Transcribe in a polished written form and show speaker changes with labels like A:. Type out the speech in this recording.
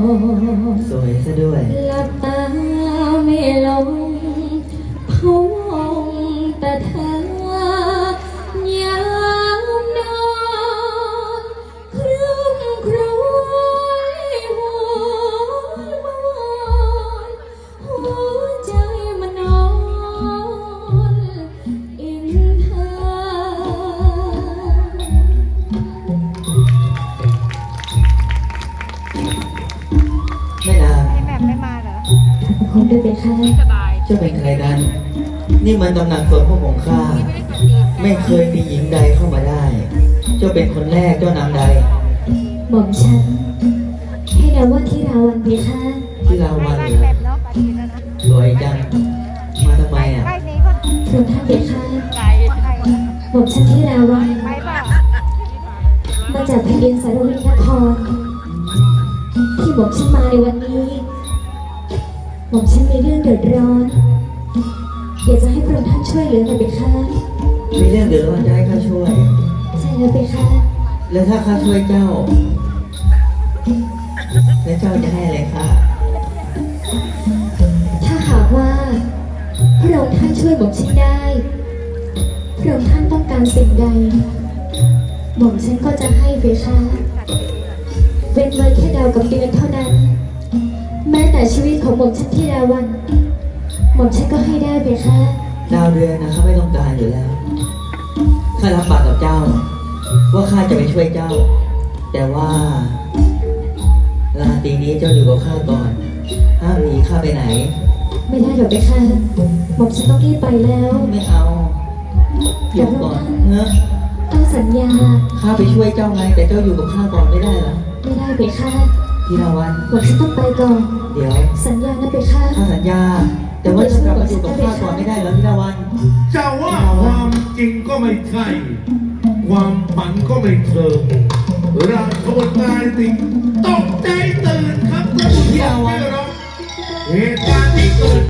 A: สวยซะด้วย
B: หลับตาไม่ลงพะวงแต่เธอยามนอนครึ่มครวญหัวหัวใจมันนอนอินเธอ
A: แม่นาง
C: ไอ้แหม่มไม่มาเหรอ
B: คงด้วยเป็นค่ะ
A: เจ้าเป็นใครกัน นี่มันตำหนักสวนพวกของข้าไม่เคยมีหญิงใดเข้ามาได้ เจ้าเป็นคนแรกเจ้านางใด
B: หม่อมฉันให้นามว่าที่ราวันเพคะ
A: ที่ลาวัน
C: ใกล้
A: เหร
C: แหม่
A: อ
C: มเนาะไปดีแล้วนะ
A: สวยจังมาทำไมอ่ะ
C: ใกล้นี้ก็
B: พระองค์ท่านเพคะ
C: ไกลไกล
B: หม่อมฉันที่ราวัน
C: ไปเปล่า
B: มาจากแผ่นดินสารวินนครที่หม่อมฉันมาในวันนี้หม่อมฉันมีเรื่องเดือดร้อนอยากจะให้พระองค์ท่านช่วยเหลือหน่อยเพคะ
A: มีเรื่องเดือดร้อนจะให้ข้าช่วย
B: ใช่แล้วเพคะ
A: แล้วถ้าข้าช่วยเจ้า แล้วเจ้าจะให้อะไรข้า
B: ถ้าหากว่าพระองค์ท่านช่วยหม่อมฉันได้พระองค์ท่านต้องการสิ่งใดหม่อมฉันก็จะให้เพคะเว้นไว้แค่ดาวกับเดือนเท่านั้น แม้แต่ชีวิตของหม่อมฉันที่ราวันหม่อมฉันก็ให้ได้เพคะ
A: ดาวเดือนนะข้าไม่ต้องการอยู่แล้ว ข้ารับปากกับเจ้า ว่าข้าจะไปช่วยเจ้า แต่ว่าราตรีนี้เจ้าอยู่กับข้าก่อน ห้ามหนีข้าไปไหน
B: ไม่ได้หรอกเพคะหม่อมฉันต้องรีบไปแล้ว
A: ไม่เอาอยู่ก่อนเนอะ
B: ต้องสัญญา
A: ข้าไปช่วยเจ้าไง แต่เจ้าอยู่กับข้าก่อนไม่ได้เหรอ
B: ไม่ได้เพคะ
A: พี่ราวัน
B: หม่อมฉันต้องไปก่อน
A: เดี๋ยว
B: สัญญานะเพคะ
A: ข้าสัญญา แต่ว่าจะกลับมาอยู่กับข้าก่อนไม่ได้เหรอพี่ราวัน
D: จะว่าความจริงก็ไม่ใช่ ความฝันก็ไม่เชิงราชบุตรนายสิงห์ตกใจตื่นครับท่านผู้ชมที่เคารพเหตุการณ์ที่เกิด